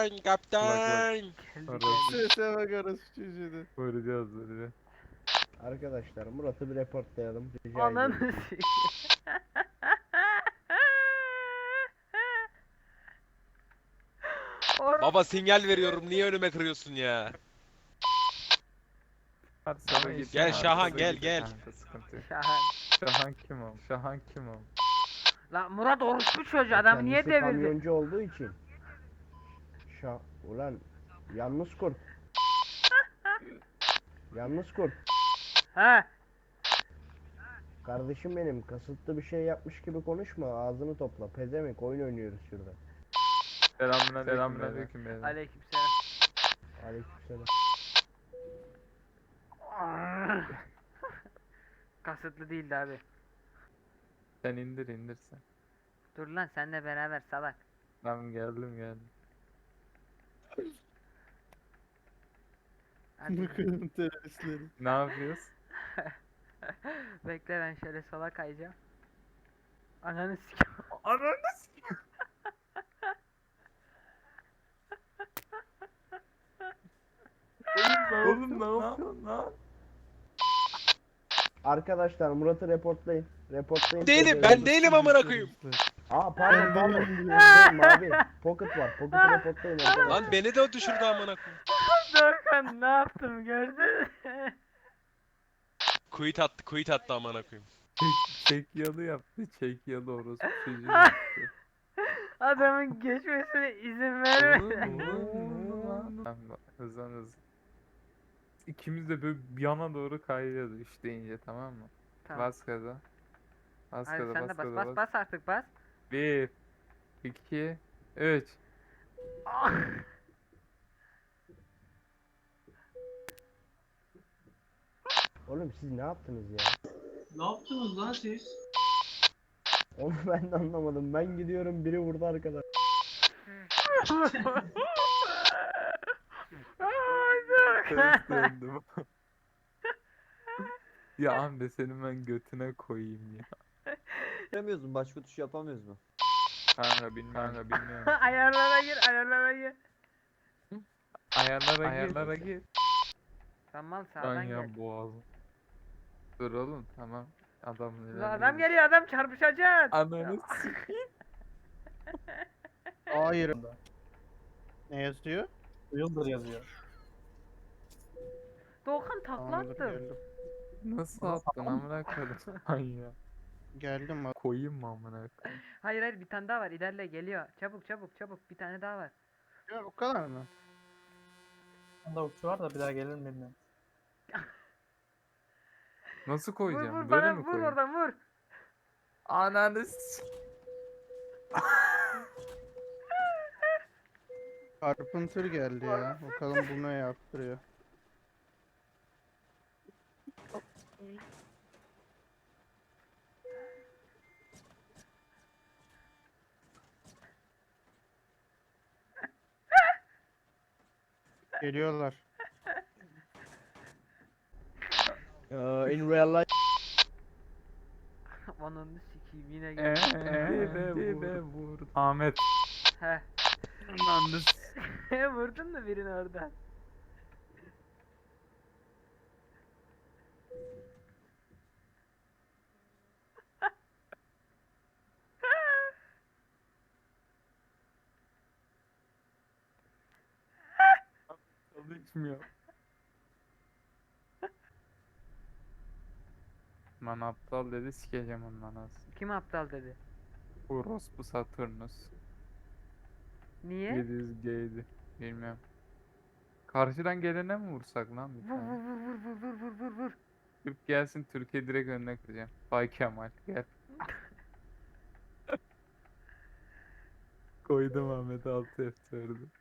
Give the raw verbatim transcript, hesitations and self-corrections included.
kaptan kaptan. Sese bakarız çocuğunu. Vuracağız vuracağız. Arkadaşlar Murat'ı bir reportlayalım. Rica Ananı ediyorum. sikeyim. Or- Baba sinyal veriyorum niye önüme kırıyorsun ya? Hadi sana Gel git. Şahan, Hadi gel, git gel. kanka, sıkıntı yok. Şahan. Şahan kim o? Şahan kim o? Lan Murat orospu çocuğu adam niye Kendisi devirdi? kamyoncu olduğu için. Şa ulan yalnız kurt. Yalnız kurt. He. Kardeşim benim kasıtlı bir şey yapmış gibi konuşma. Ağzını topla. Pezemek oyun oynuyoruz şurada. Selamünaleyküm. Selamünaleyküm beyler. Aleykümselam. Aleykümselam. Kasıtlı değildi abi. Sen indir indir sen. Dur lan senle beraber salak. Tamam geldim geldim. Hadi. Bakalım teröristleri. Ne yapıyoruz? Bekle ben şöyle sola kayacağım. Ananı sikeyim. Ananı Oğlum ne yapıyorsun lan? Arkadaşlar Murat'ı reportlayın. Reportlayın. Değilim Pezevenk. ben değilim amına koyayım. Aa pardon pardon. Şey, mavi. Pocket var. Pocket'ı reportlayın arkadaşlar. Lan beni de o düşürdü amına koyayım. Dorkan ne yaptım gördün mü? Quit attı quit attı amına koyayım. Çek, çek yalı yaptı. Çek yalı orospu çocuğu yaptı. Adamın geçmesine izin Oğlum, verme. oğlum, oğlum. Tamam, bak, hızlan hızlan. İkimiz de böyle bir yana doğru kayıyoruz üç deyince, tamam mı? Tamam. Bas gaza. Bas Hadi gaza, sen de bas bas gaza, bas bas. bas artık bas. Bir, iki, üç. Oğlum siz ne yaptınız ya? Ne yaptınız lan siz? Onu ben de anlamadım. Ben gidiyorum biri vurdu arkadaş. Ay, Dorkan. Ters döndüm. Ya amca senin ben götüne koyayım ya. Yapamıyoruz mu? Başka tuş yapamıyoruz mu? Kanka bilmiyorum. Kanka bilmiyorum. Ayarlara gir ayarlara gir. Ayarlara, Ayarlara gir. Tamam Lan sağdan gel. ya boğazım. Dur oğlum tamam. Adam Lan adam geliyor adam çarpışacak. Ananı sikeyim. Hayır. Ne yazıyor? Yıldır yazıyor. Doğukan takla Tamamdır, attım. geldim. Nasıl attın amına koydum. Ay ya. Geldim bak. Koyayım mı amına koyayım? Hayır hayır bir tane daha var ilerle geliyor. Çabuk çabuk çabuk bir tane daha var. Ya o kadar mı? Bunda uçu var da bir daha gelir mi bilmiyorum. Nasıl Vur koyacağım? vur Böyle bana mi vur koyayım? oradan vur. Ananı sikeyim. Carpenter geldi ya. Bakalım bu ne yaptırıyor. Geliyorlar. Uh, in real life. Ananı sikeyim yine Eee geldi. dibe vurdu. Ahmet. Heh. Ananı Vurdun mu birini oradan? Çalışmıyor. Lan aptal dedi, sikeceğim onun anasını. Kim aptal dedi? Orospu Saturnus. Niye? yedi yüz G'ydi. Bilmiyorum. Karşıdan gelene mi vursak lan bir Vur vur tane? vur vur vur vur vur vur vur. Türk gelsin, Türkiye direkt önüne kıracağım. Bay Kemal gel. Koydum Ahmet altı F dördü.